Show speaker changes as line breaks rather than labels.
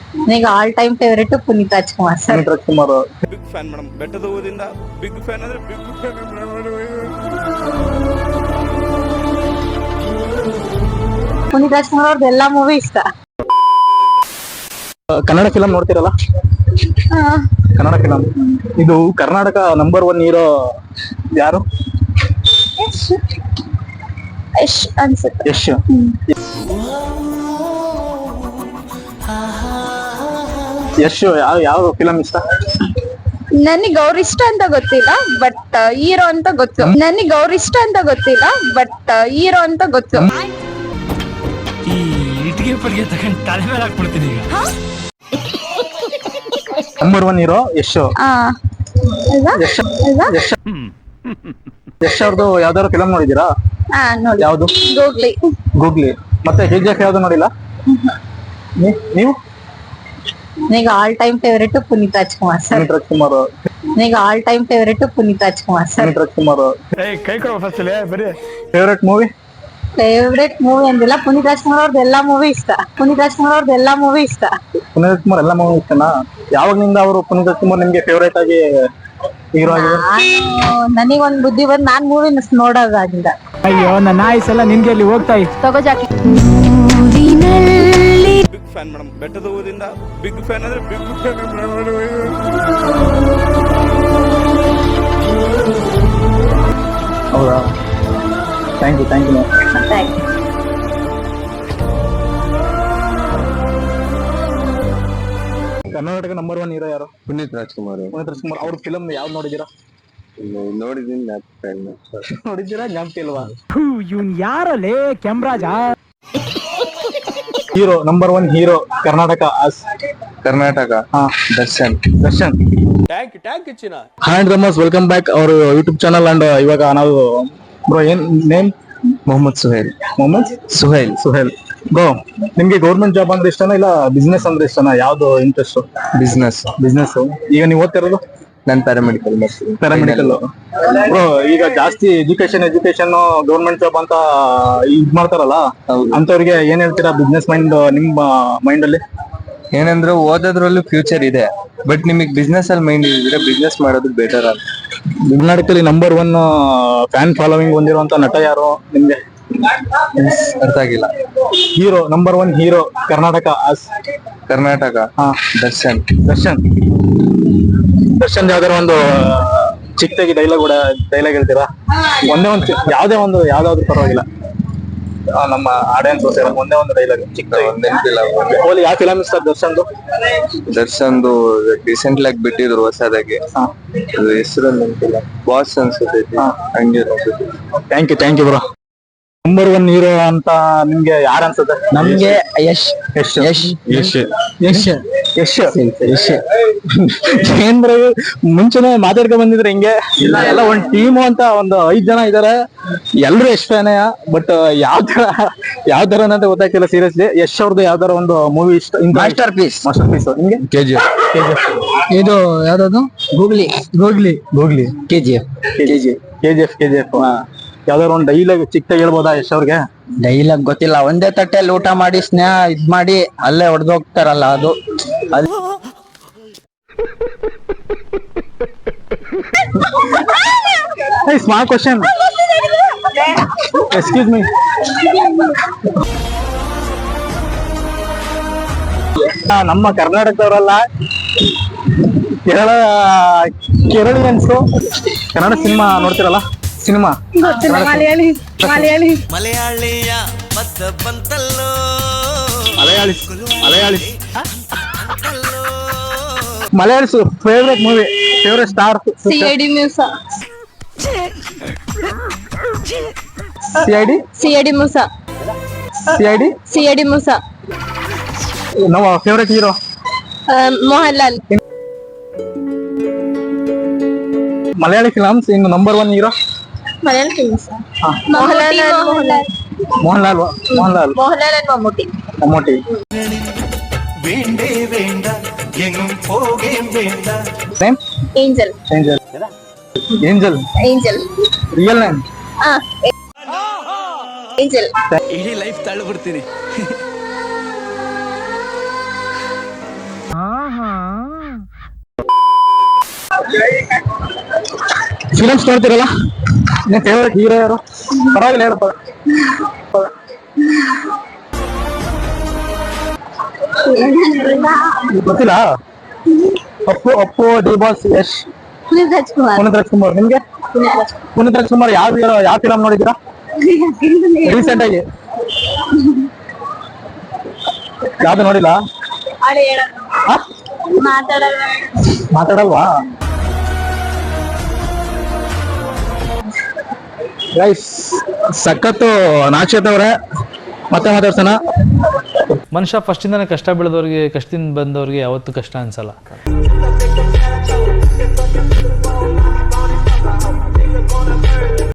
ನನಗೆ all time favourite Puneeth Rajkumar sir.
Puneeth Rajkumar
big fan madam. ಬೆಟ್ಟದ ಊರಿಂದ ಬಿಗ್ ಫ್ಯಾನ್ ಅಂದ್ರೆ ಬಿಗ್ ಫ್ಯಾನ್.
ಪುನೀತ್ ರಾಜ್ಕುಮಾರ್ ಅವ್ರದ್ದು ಎಲ್ಲಾ ಮೂವಿ ಇಷ್ಟ.
ಕನ್ನಡ ಫಿಲಂ ನೋಡ್ತಿರಲ್ಲ? ಕನ್ನಡ ಫಿಲಂ ಇದು ಕರ್ನಾಟಕ ನಂಬರ್ 1 ಹೀರೋ ಯಾರು?
ಯಶ್ ಅನ್ಸುತ್ತೆ.
ಯಶ್. ಯಶ್ ಯಾವ ಫಿಲಂ ಇಷ್ಟ?
ನನಗೆ ಅವ್ರ ಇಷ್ಟ ಅಂತ ಗೊತ್ತಿಲ್ಲ, ಬಟ್ ಹೀರೋ ಅಂತ ಗೊತ್ತು. ನನಗೆ ಅವ್ರ ಇಷ್ಟ ಅಂತ ಗೊತ್ತಿಲ್ಲ, ಬಟ್ ಹೀರೋ ಅಂತ ಗೊತ್ತು.
ಈ ಇಟ್ಟಿಗೆ ಪಟ್ಟಿಗೆ ತಗೊಂಡು ತಲೆ ಮೇಲೆ ಹಾಕ್ಬಿಡ್ತೀನಿ ಈಗ.
Number 1 hero Yash.
ಅಲ್ವಾ? ಅಲ್ವಾ?
ಯಶ್ ಅವ್ರದ್ದು ಯಾವ್ದಾದ್ರು ಫಿಲಂ ನೋಡಿದೀರಾ?
ನೋಡಿ.
ಯಾವ್ದು?
ಗೂಗ್ಲಿ.
ಗೂಗ್ಲಿ. ಮತ್ತೆ KGF ಯಾವ್ದು ನೋಡಿಲ್ಲ? ನೀವು?
ನನಗೆ all time favourite Puneeth Rajkumar sir.
Puneeth Rajkumar.
ನನಗೆ all time favourite Puneeth Rajkumar sir.
Puneeth Rajkumar.
ಕೈ ಕೊಡೋ ಫಸ್ಟ್ ಬರೀ
ಫೇವರೇಟ್ ಮೂವಿ?
ಫೇವ್ರೆಟ್ ಮೂವಿ ಅಂದಿಲ್ಲ, ಪುನೀತ್ ರಾಜ್ಕುಮಾರ್ ಅವ್ರದ್ದು ಎಲ್ಲಾ ಮೂವಿ ಇಷ್ಟ. ಪುನೀತ್ ರಾಜ್ಕುಮಾರ್ ಅವ್ರದ್ದು ಎಲ್ಲಾ ಮೂವಿ ಇಷ್ಟ.
ಪುನೀತ್ ರಾಜ್ಕುಮಾರ್ ಎಲ್ಲ ಮೂವಿ ಇಷ್ಟನಾ? ಯಾವಾಗ್ಲಿಂದ ಅವರು ಪುನೀತ್ ರಾಜ್ಕುಮಾರ್ ನಿಮ್ಗೆ ಫೇವರೇಟ್ ಆಗಿ ಹೀರೋ ಆಗಿದೆ?
ನನಗೊಂದ್ ಬುದ್ಧಿ ಬಂದ್ ನಾನ್ ಮೂವಿ ನೋಡೋದಾಗಿಂದ.
ಅಯ್ಯೋ ನನ್ನ ಆಯ್ಸ್ ಎಲ್ಲ ನಿನ್ಗೆ ಅಲ್ಲಿ ಹೋಗ್ತಾ
ತಗೋ ಜಾಕಿ.
Big fan madam. ಬೆಟ್ಟದ ಊರಿಂದ ಬಿಗ್ ಫ್ಯಾನ್ ಅಂದ್ರೆ ಬಿಗ್ ಫ್ಯಾನ್.
ಹೌದಾ? Thank you. Karnataka number 1 hero ಯಾರು?
ಪುನೀತ್ ರಾಜ್ಕುಮಾರ್.
ಪುನೀತ್ ರಾಜ್ಕುಮಾರ್ ಅವ್ರ ಫಿಲಂ ಯಾವ್ದು ನೋಡಿದೀರಾ?
ನೋಡಿದೀನಿ.
ನೋಡಿದ್ದೀರಾ? ಜ್ಞಾಪಕ ಇಲ್ವಾ?
ಇವ್ನ್ ಯಾರಲ್ಲೇ ಕೆಂಬ್ರಾಜ?
Hero number 1 hero Karnataka.
Karnataka Darshan.
ಟ್ಯಾಂಕ್ ಹೆಚ್ಚಿನ
ಹ್ಯಾಂಡ್ ರಮಸ್ welcome back our YouTube channel. And ಇವಾಗ ನಾವು ಬ್ರೋ ಏನ್ ನೇಮ್?
ಮೊಹಮ್ಮದ್ ಸುಹೇಲ್. ಬ್ರೋ
ನಿಮ್ಗೆ ಗೌರ್ಮೆಂಟ್ ಜಾಬ್ ಅಂದ್ರೆ ಇಷ್ಟನಾ ಇಲ್ಲ ಬಿಸ್ನೆಸ್ ಅಂದ್ರೆ ಇಷ್ಟನಾ? ಯಾವ್ದು ಇಂಟ್ರೆಸ್ಟ್?
ಬಿಸ್ನೆಸ್.
ಈಗ ನೀವು ಓದ್ತಿರೋದು?
ನಾನು ಪ್ಯಾರಾಮೆಡಿಕಲ್.
ಬ್ರೋ ಈಗ ಜಾಸ್ತಿ ಎಜುಕೇಶನ್ ಗೌರ್ಮೆಂಟ್ ಜಾಬ್ ಅಂತ ಇದ್ ಮಾಡ್ತಾರಲ್ಲ, ಅಂತವ್ರಿಗೆ ಏನ್ ಹೇಳ್ತೀರಾ? ಬಿಸ್ನೆಸ್ ಮೈಂಡ್ ನಿಮ್ಮ ಮೈಂಡ್ ಅಲ್ಲಿ
ಏನಂದ್ರೆ ಓದೋದ್ರಲ್ಲೂ ಫ್ಯೂಚರ್ ಇದೆ, ಬಟ್ ನಿಮಗೆ ಬಿಸ್ನೆಸ್ ಅಲ್ಲಿ ಮೈಂಡ್ ಇದ್ರೆ ಬಿಸ್ನೆಸ್ ಮಾಡೋದು ಬೆಟರ್ ಅಂತ.
ಕರ್ನಾಟಕದಲ್ಲಿ ನಂಬರ್ 1 ಫ್ಯಾನ್ ಫಾಲೋವಿಂಗ್ ಹೊಂದಿರುವಂತ ನಟ ಯಾರು ನಿಮ್ಗೆ?
ಅರ್ಥ ಆಗಿಲ್ಲ.
Hero number 1 hero Karnataka.
Darshan.
ಯಾವ್ದಾರ ಒಂದು ಚಿಕ್ಕದಾಗಿ ಡೈಲಾಗ್ ಹೇಳ್ತೀರಾ? ಯಾವ್ದಾದ್ರು ಪರವಾಗಿಲ್ಲ, ನಮ್ಮ ಆಡಿಯನ್ಸ್ ಒಂದೇ ಒಂದು ಡೈಲಾಗ್
ನೆನಪಿಲ್ಲ.
ಯಾವ ಫಿಲಂ ಇಷ್ಟ
ದರ್ಶನ್ದು ರೀಸೆಂಟ್ ಆಗಿ ಬಿಟ್ಟಿದ್ರು ಹೊಸದಾಗಿ, ಹೆಸರು ನೆನಪಿಲ್ಲ. ಬಾಸ್ ಅನ್ಸುತ್ತೆ. ಹಂಗೆ.
Thank you bro. Number 1 hero ಅಂತ ನಿಮ್ಗೆ ಯಾರು ಅನ್ಸುತ್ತೆ?
ನಮ್ಗೆ ಯಶ್.
ಏನ್ ಬ್ರೋ ಮುಂಚೆನೆ ಮಾತಾಡ್ಕೊಂಡ್ ಬಂದಿದ್ರೆ ಹಿಂಗೆ ಎಲ್ಲ ಒಂದ್ ಟೀಮು ಅಂತ ಒಂದು 5 ಜನ ಇದಾರೆ, ಎಲ್ರು ಯಶ್ ಫ್ಯಾನೇ. ಬಟ್ ಯಾವ ತರ ಅಂತ ಗೊತ್ತಾಗ್ತಿಲ್ಲ ಸೀರಿಯಸ್ಲಿ. ಯಶ್ ಅವ್ರದ್ದು ಯಾವ್ದಾರ ಒಂದು ಮೂವಿ ಇಷ್ಟ?
Masterpiece.
ನಿಮ್ಗೆ?
KGF.
ಇದು ಯಾವ್ದು? ಗೂಗ್ಲಿ.
KGF. ಯಾವ್ದಾರ ಒಂದು ಡೈಲಾಗ್ ಚಿಕ್ಕದಾಗಿ ಹೇಳ್ಬೋದಾ ಯಶ್ ಅವ್ರಿಗೆ?
ಡೈಲಾಗ್ ಗೊತ್ತಿಲ್ಲ. ಒಂದೇ ತಟ್ಟೆಯಲ್ಲಿ ಊಟ ಮಾಡಿ ಸ್ನೇಹ ಇದ್ ಮಾಡಿ ಅಲ್ಲೇ ಹೊಡೆದೋಗ್ತಾರಲ್ಲ ಅದು.
Small question, excuse me. ನಮ್ಮ ಕರ್ನಾಟಕದವರಲ್ಲ, ಕೇರಳಿಯನ್ಸು ಕನ್ನಡ ಸಿನಿಮಾ ನೋಡ್ತಿರಲ್ಲ?
ಮಲಯಾಳಿಯ ಮದ್ದ ಬಂತಲ್ಲೋ.
Malayalis favourite movie, favourite star?
CID Moosa.
ನಮ್ಮ favourite hero
Mohanlal.
Malayali films ಇನ್ನು number 1 hero?
Malayali films Mohanlal and Mammootty.
Name?
Angel.
Real name?
Angel.
ಇಡೀ ಲೈಫ್ ತಳ್ಳಿ ಬಿಡ್ತೀನಿ.
ಫಿಲಮ್ಸ್ ನೋಡ್ತಿರಲ್ಲ, ನಿನ್ ಫೇವ್ರೆಟ್ ಹೀರೋ ಯಾರು? ಪರವಾಗಿಲ್ಲ ಹೇಳಪ್ಪ. ಗೊತ್ತಿಲ್ಲ? Appu D boss, Yash, Puneeth Rajkumar. ನಿಮ್ಗೆ ಪುನೀತ್ ರಾಜ್ಕುಮಾರ್ ಯಾವ ಫಿಲಮ್ ನೋಡಿದ್ದೀರಾ ರೀಸೆಂಟ್ ಆಗಿ? ಯಾವ್ದು ನೋಡಿಲ್ಲ? ಆ? ಮಾತಾಡಲ್ವಾ? ಗೈಸ್ ಸಖತ್ತು ನಾಕ್ಷತ್ ಅವ್ರೆ, ಮತ್ತೆ ಮಾತಾಡ್ಸೋಣ.
ಮನುಷ್ಯ ಫಸ್ಟಿಂದಾನೆ ಕಷ್ಟ ಬೆಳೆದವ್ರಿಗೆ, ಕಷ್ಟದಿಂದ ಬಂದವ್ರಿಗೆ ಯಾವತ್ತೂ ಕಷ್ಟ ಅನ್ಸಲ್ಲ.